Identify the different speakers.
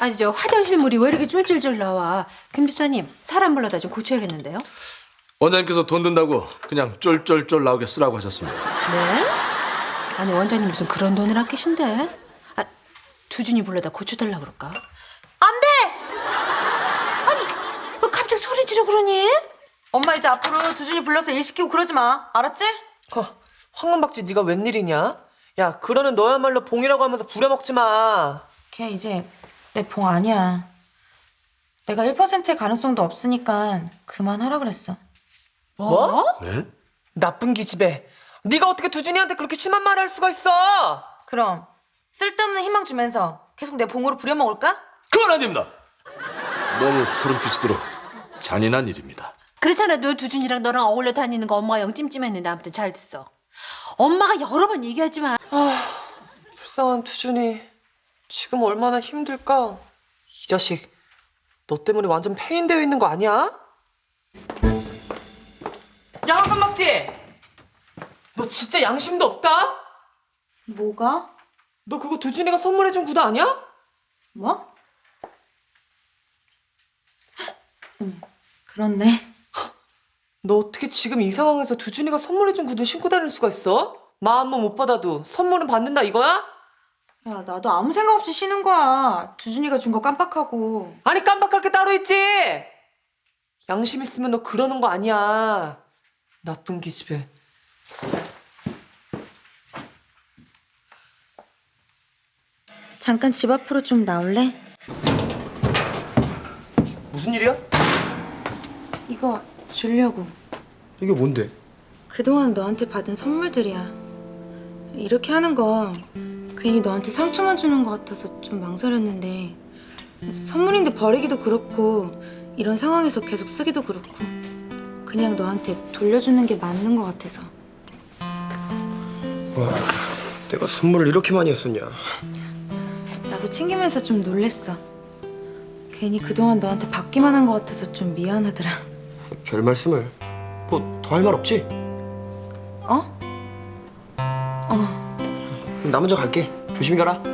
Speaker 1: 아니 저 화장실 물이 왜 이렇게 쫄쫄쫄 나와? 김 집사님 사람 불러다 좀 고쳐야겠는데요?
Speaker 2: 원장님께서 돈 든다고 그냥 쫄쫄쫄 나오게 쓰라고 하셨습니다.
Speaker 1: 네? 아니 원장님 무슨 그런 돈을 아끼신데? 아, 두준이 불러다 고쳐달라 그럴까? 안 돼! 아니 왜 갑자기 소리 지르 그러니?
Speaker 3: 엄마 이제 앞으로 두준이 불러서 일 시키고 그러지 마. 알았지?
Speaker 4: 황금박쥐 네가 웬일이냐? 야, 그러는 너야말로 봉이라고 하면서 부려먹지 마.
Speaker 3: 걔 이제 내 봉 아니야. 내가 1%의 가능성도 없으니까 그만하라 그랬어.
Speaker 4: 뭐?
Speaker 2: 네?
Speaker 4: 나쁜 기집애. 네가 어떻게 두준이한테 그렇게 심한 말을 할 수가 있어?
Speaker 3: 그럼 쓸데없는 희망 주면서 계속 내 봉으로 부려먹을까?
Speaker 2: 그건 아닙니다. 너무 소름 끼치도록 잔인한 일입니다.
Speaker 1: 그렇잖아 너 두준이랑 너랑 어울려 다니는 거 엄마가 영 찜찜했는데 아무튼 잘 됐어. 엄마가 여러 번 얘기하지만
Speaker 4: 불쌍한 두준이. 지금 얼마나 힘들까? 이 자식, 너 때문에 완전 폐인되어 있는 거 아니야? 야, 황금박쥐! 너 진짜 양심도 없다?
Speaker 3: 뭐가?
Speaker 4: 너 그거 두준이가 선물해준 구두 아니야?
Speaker 3: 뭐? 그렇네.
Speaker 4: 너 어떻게 지금 이 상황에서 두준이가 선물해준 구두 신고 다닐 수가 있어? 마음은 못 받아도 선물은 받는다 이거야?
Speaker 3: 야, 나도 아무 생각 없이 쉬는 거야. 두준이가 준 거 깜빡하고.
Speaker 4: 아니 깜빡할 게 따로 있지! 양심 있으면 너 그러는 거 아니야. 나쁜 기집애.
Speaker 3: 잠깐 집 앞으로 좀 나올래?
Speaker 5: 무슨 일이야?
Speaker 3: 이거 주려고.
Speaker 5: 이게 뭔데?
Speaker 3: 그동안 너한테 받은 선물들이야. 이렇게 하는 거 괜히 너한테 상처만 주는 것 같아서 좀 망설였는데 선물인데 버리기도 그렇고 이런 상황에서 계속 쓰기도 그렇고 그냥 너한테 돌려주는 게 맞는 것 같아서.
Speaker 5: 와, 내가 선물을 이렇게 많이 했었냐?
Speaker 3: 나도 챙기면서 좀 놀랬어. 괜히 그동안 너한테 받기만 한 것 같아서 좀 미안하더라.
Speaker 5: 별 말씀을. 뭐 더 할 말 없지?
Speaker 3: 어?
Speaker 5: 나 먼저 갈게. 조심히 가라.